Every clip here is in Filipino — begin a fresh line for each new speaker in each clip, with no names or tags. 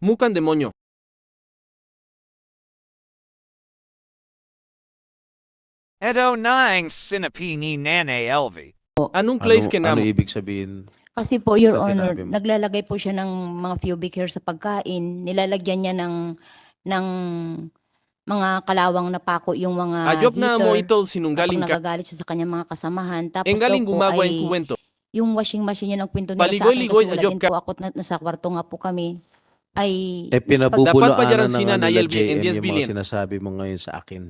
Mukhang demonyo.
Edo nang sinapini nane elvi.
Anong place ka
Ano
namo?
ibig sabihin?
Kasi po, Your
Sa
Honor,
sinabi mo.
naglalagay po siya ng mga pubic hair sa pagkain. Nilalagyan niya ng mga kalawang na pako yung mga
Ajob na mo
heater
ito
kapag
sinunggaling ka.
nagagalit siya sa kanyang mga kasamahan. Tapos daw
Enggaling
po
gumagawa
ay
yung kuwento.
yung washing machine yun ang kwento nila sa akin
Paligoy-ligoy,
kasi wala
ajob
din
ka.
po ako nasa kwarto nga po kami. Ay
Eh
Dapat
pinabubulaanan
pa dyan
na
sina
nga nila
Nayel
JM
Endias
yung
Billion.
mga sinasabi mo ngayon sa akin.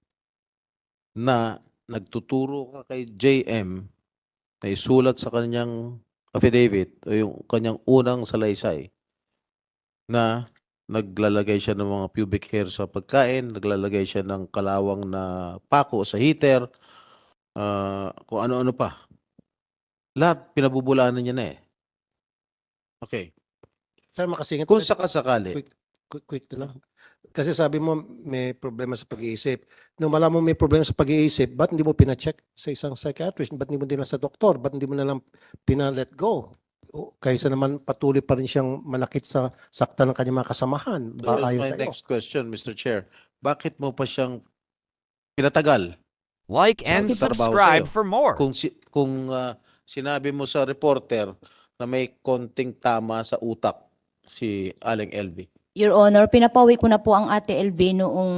Na nagtuturo ka kay JM na isulat sa kanyang affidavit o yung kanyang unang salaysay na naglalagay siya ng mga pubic hair sa pagkain, naglalagay siya ng kalawang na pako sa heater, kung ano-ano pa. Lahat pinabubulaanan niya na eh. Okay.
Sir, makasingit.
Kung sakasakali,
Quick na lang. Kasi sabi mo may problema sa pag-iisip. Nung malaman mo may problema sa pag-iisip, ba't hindi mo pina-check sa isang psychiatrist? Ba't hindi mo din sa doktor? Ba't hindi mo na lang pina-let go? Kaysa naman patuloy pa rin siyang manakit sa sakta ng kanyang mga kasamahan.
so
Ayon
my
sa iyo.
next question, Mr. Chair. Bakit mo pa siyang pinatagal?
Like and
Kasi trabaho
subscribe
sa'yo.
for more.
Kung sinabi mo sa reporter na may konting tama sa utak si Aling LV.
Your Honor, pinapawi ko na po ang Ate LV noong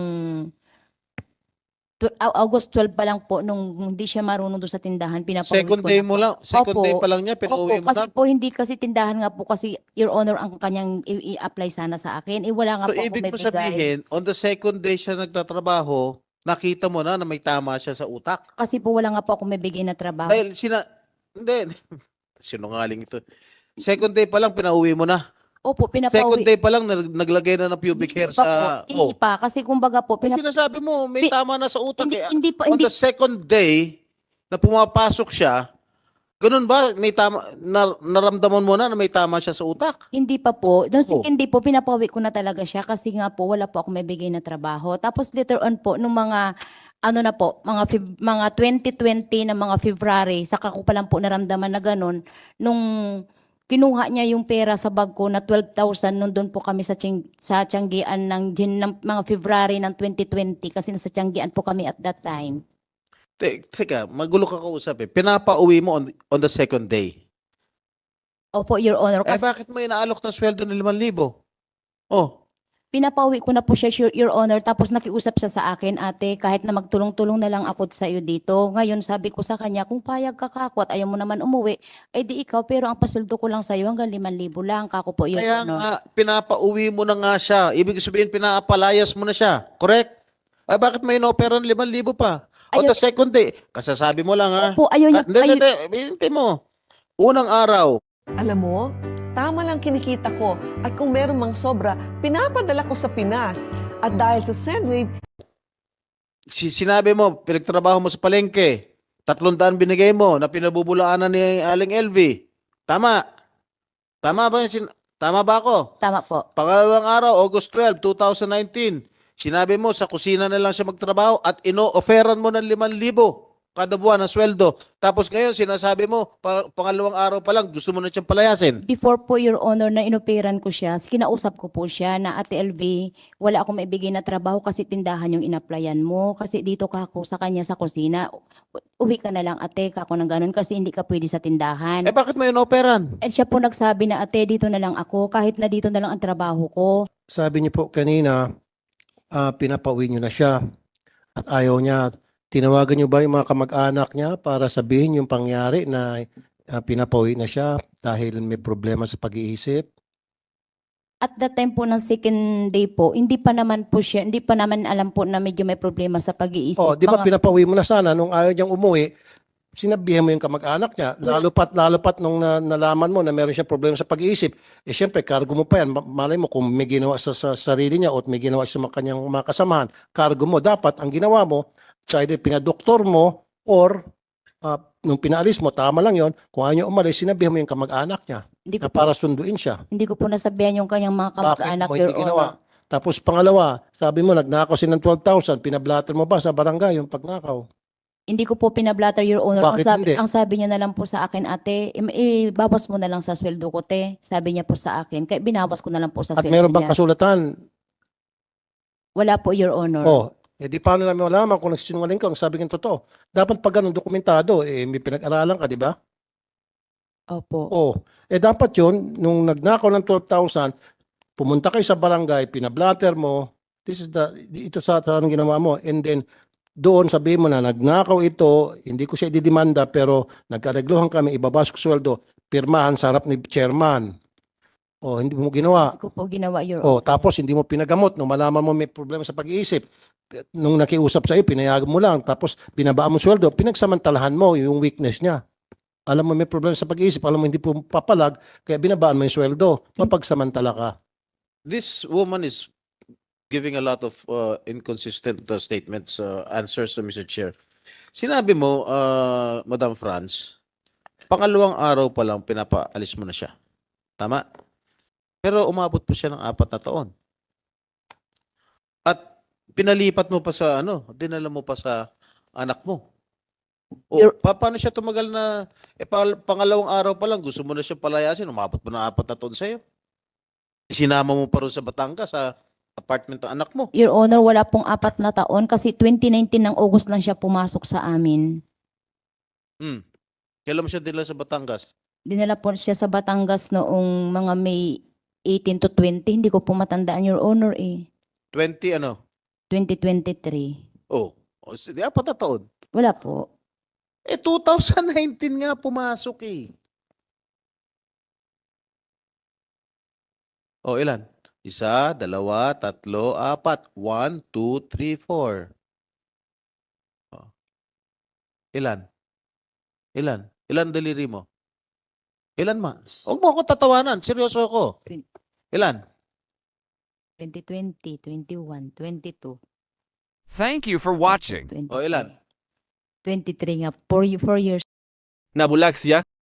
August 12 pa lang po nung hindi siya marunong doon sa tindahan. Pinapawi
Second
ko
day
na
mo
po.
lang, second
Opo.
day pa lang niya, pinauwi
Opo,
mo
kasi
na.
po hindi kasi tindahan nga po kasi Your Honor ang kanyang i-apply sana sa akin. Wala nga
So
po ako
ibig
may
mo
bigay.
sabihin, on the second day siya nagtatrabaho, nakita mo na may tama siya sa utak.
Kasi po wala nga po ako may bigay na trabaho.
Dahil hindi, sinungaling ito. Second day pa lang, pinauwi mo na.
Opo,
Second
pinapawi.
day pa lang, naglagay na ng pubic hair
Hindi pa
sa...
po, hindi pa. Kasi kumbaga po,
Eh, sinasabi mo, may
Pi-
tama na sa utak.
hindi,
eh.
hindi pa,
On
hindi,
the second day, na pumapasok siya, ganun ba? May tama, naramdaman mo na may tama siya sa utak?
hindi pa po. Doon
Oh.
hindi po, pinapawi ko na talaga siya kasi nga po, wala po ako may bigay na trabaho. Tapos later on po, nung mga, ano na po, mga 2020 na mga February, saka ko pa lang po naramdaman na ganun, nung kinuha niya yung pera sa bag ko na 12,000 nung doon po kami sa Tianggian ng mga February ng 2020 kasi nasa Tianggian po kami at that time.
Teka, magulo ka kausap eh. Pinapauwi mo on the second day.
Opo, Your Honor.
Eh
Kasi
bakit mo inaalok ng sweldo ng 5,000? Oh,
pinapauwi ko na po siya, Your Honor. Tapos nakiusap siya sa akin, ate, kahit na magtulong-tulong na lang ako sa iyo dito. Ngayon, sabi ko sa kanya, kung payag ka kako at ayaw mo naman umuwi, eh di ikaw, pero ang pasweldo ko lang sa iyo hanggang 5,000 lang. Kako po, Your
kaya
Honor.
nga, pinapauwi mo na nga siya. Ibig sabihin, pinaapalayas mo na siya. Correct? Ay bakit may inopera ng 5,000 pa? On
Ayaw-
the second day, kasasabi mo lang ha.
Opo, ayaw niya.
Hindi, hintay mo. Unang araw,
Alam mo, tama lang kinikita ko at kung meron mang sobra, pinapadala ko sa Pinas. At dahil sa Sendwave,
sinabi mo, pinagtrabaho mo sa palengke, 300 binigay mo na pinabubulaanan ni Aling LV. Tama. Tama ba tama ba ako?
Tama po.
Pangalawang araw, August 12, 2019, sinabi mo sa kusina na lang siya magtrabaho at ino-offeran mo ng 5,000 kada buwan na sweldo. Tapos ngayon, sinasabi mo, pangalawang araw pa lang, gusto mo na siyang palayasin.
Before po, Your Honor, na inoperan ko siya, kinausap ko po siya na, Ate LV, wala akong maibigay na trabaho kasi tindahan yung inaplayan mo. Kasi dito ka ako sa kanya sa kusina. Uwi ka na lang, ate, kako ng ganun kasi hindi ka pwede sa tindahan.
Eh bakit mo ino-offeran?
At siya po nagsabi na, ate, dito na lang ako, kahit na dito na lang ang trabaho ko.
Sabi niyo po kanina, pinapauwi niyo na siya at ayaw niya. Tinawagan niyo ba yung mga kamag-anak niya para sabihin yung pangyari na pinapauwi na siya dahil may problema sa pag-iisip?
At that time po ng second day po, hindi pa naman alam po na medyo may problema sa pag-iisip.
Oh, di ba
Mga-
pinapauwi mo na sana nung ayaw niyang umuwi, sinabihan mo yung kamag-anak niya. Lalo pat nung nalaman mo na meron siyang problema sa pag-iisip. Eh syempre, cargo mo pa yan. Malay mo kung may ginawa sa sarili niya o may ginawa sa kanyang mga kasamahan, cargo mo. Dapat ang ginawa mo, sa either pinadoktor mo or nung pinaalis mo, tama lang yon. Kung ayaw niya umalis, sinabihan mo yung kamag-anak niya
hindi
na
ko po,
para sunduin siya.
hindi ko po nasabihan yung kanyang mga
Bakit
kamag-anak,
mo
Your
hindi ginawa?
Honor.
Tapos pangalawa, sabi mo, nagnakaw siya ng 12,000, pinablatter mo ba sa barangay yung pagnakaw?
Hindi ko po pinablatter, Your Honor.
Bakit hindi?
Ang sabi niya na lang po sa akin, ate, ibawas mo na lang sa sweldo ko, te. Sabi niya po sa akin. Kaya binawas ko na lang po sa
At
sweldo
meron bang
niya.
kasulatan?
Wala po, Your Honor.
Oh, di paano namin malaman kung nagsinungaling ka, kung sabi ng totoo? Dapat pag ganun dokumentado, may pinag-aralan ka, di ba?
Opo.
Oh, dapat yun, nung nagnakaw ng 12,000, pumunta kayo sa barangay, pinablatter mo, ito sa anong ginawa mo, and then, doon sabihin mo na nagnakaw ito, hindi ko siya ididimanda, pero nagkaregluhan kami, ibabas ko sweldo, pirmahan sa harap ni chairman. O, hindi mo ginawa.
Hindi ko po ginawa, Your
O,
Honor.
tapos hindi mo pinagamot. Nung malaman mo may problema sa pag-iisip, nung nakiusap sa iyo, pinayagan mo lang. Tapos binabaan mo sweldo, pinagsamantalahan mo yung weakness niya. Alam mo may problema sa pag-iisip, alam mo hindi po papalag, kaya binabaan mo yung sweldo. Mapagsamantala ka.
This woman is giving a lot of inconsistent statements, answers to Mr. Chair. Sinabi mo, Madam Franz, pangalawang araw pa lang pinapaalis mo na siya. Tama? Pero umabot pa siya ng 4 na taon. At pinalipat mo pa sa dinala mo pa sa anak mo. O, paano siya tumagal na, pangalawang araw pa lang, gusto mo na siya palayasin, umabot mo ng 4 na taon sa'yo. Sinama mo pa rin sa Batangas, sa apartment ng anak mo.
Your Honor, wala pong 4 na taon kasi 2019 ng August lang siya pumasok sa amin.
Kailan mo siya dinala sa Batangas?
Dinala po siya sa Batangas noong mga May 18 to 20. Hindi ko po matandaan, Your Honor,
20 ano?
2023.
Oh, 4 na taon.
Wala po.
2019 nga pumasok eh. Oh, ilan? 1, 2, 3, 4. 1, 2, 3, 4. Oh. Ilan? Ilan daliri mo? Ilan ma? Huwag mo ako tatawanan. Seryoso ako. Ilan?
2020, 21, 22,
Thank you for watching.
23.
O ilan?
23 nga. 4 years.
Nabulak siya